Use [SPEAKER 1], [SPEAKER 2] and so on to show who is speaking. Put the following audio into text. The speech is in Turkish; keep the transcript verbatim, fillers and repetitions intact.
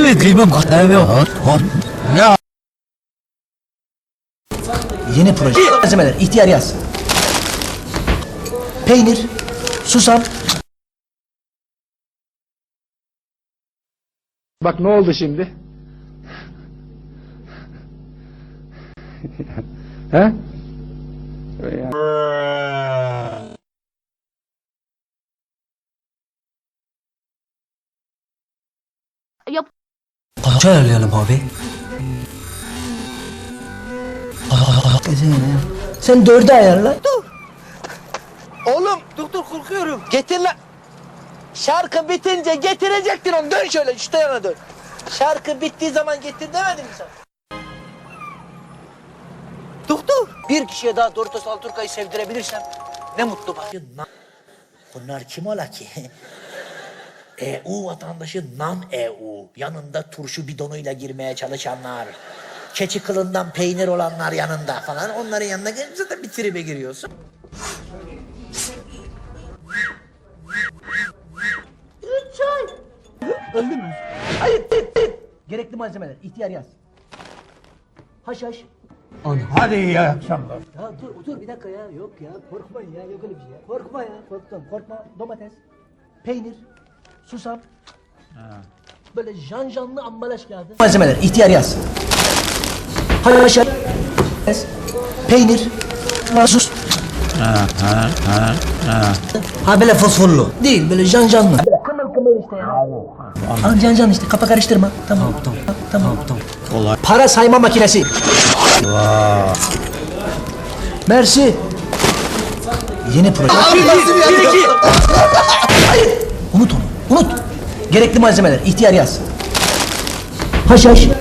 [SPEAKER 1] Böyle kıymam kahve yok. Ya.
[SPEAKER 2] Yeni proje. Malzemeler. İhtiyar yaz. Peynir. Susam.
[SPEAKER 3] Bak ne oldu şimdi? He?
[SPEAKER 4] Yap.
[SPEAKER 1] Kaça ayarlayalım abi?
[SPEAKER 2] Sen dörde ayarla.
[SPEAKER 5] Oğlum dur dur korkuyorum. Getir lan. Şarkı bitince getirecektin onu. Dön şöyle şu yana dön. Şarkı bittiği zaman getir demedim mi sana? Dur dur. Bir kişiye daha Doritos Alturka'yı sevdirebilirsem ne mutlu bana. Bunlar kim ola ki? E U vatandaşı Nam E U. Yanında turşu bidonuyla girmeye çalışanlar. Keçi kılından peynir olanlar yanında falan. Onların yanına gelince zaten bir tribe giriyorsun. Üç ay.
[SPEAKER 2] Öldü mü? Hayır. Gerekli malzemeler. İhtiyar yaz. Haşhaş.
[SPEAKER 6] Hadi iyi akşamlar.
[SPEAKER 2] Ya dur dur bir dakika ya. Yok ya. Korkmayın ya. Yok öyle bir şey ya. Korkma ya. Korktum. Korkma. Domates. Peynir. Susam. Böyle janjanlı ambalaj kağıdı. Malzemeler. İhtiyar yaz. Haşhaş. Peynir. Sus. Ha böyle fosforlu. Değil böyle janjanlı. Kımıl kımıl işte ya. Al can can işte kafa karıştırma. Tamam tamam tamam. tamam.
[SPEAKER 1] Kolay.
[SPEAKER 2] Para sayma makinesi. Mersi. Yeni proje. Bir iki. Hayır. Unut onu. Unut. Gerekli malzemeler. İhtiyar yaz. Haşhaş.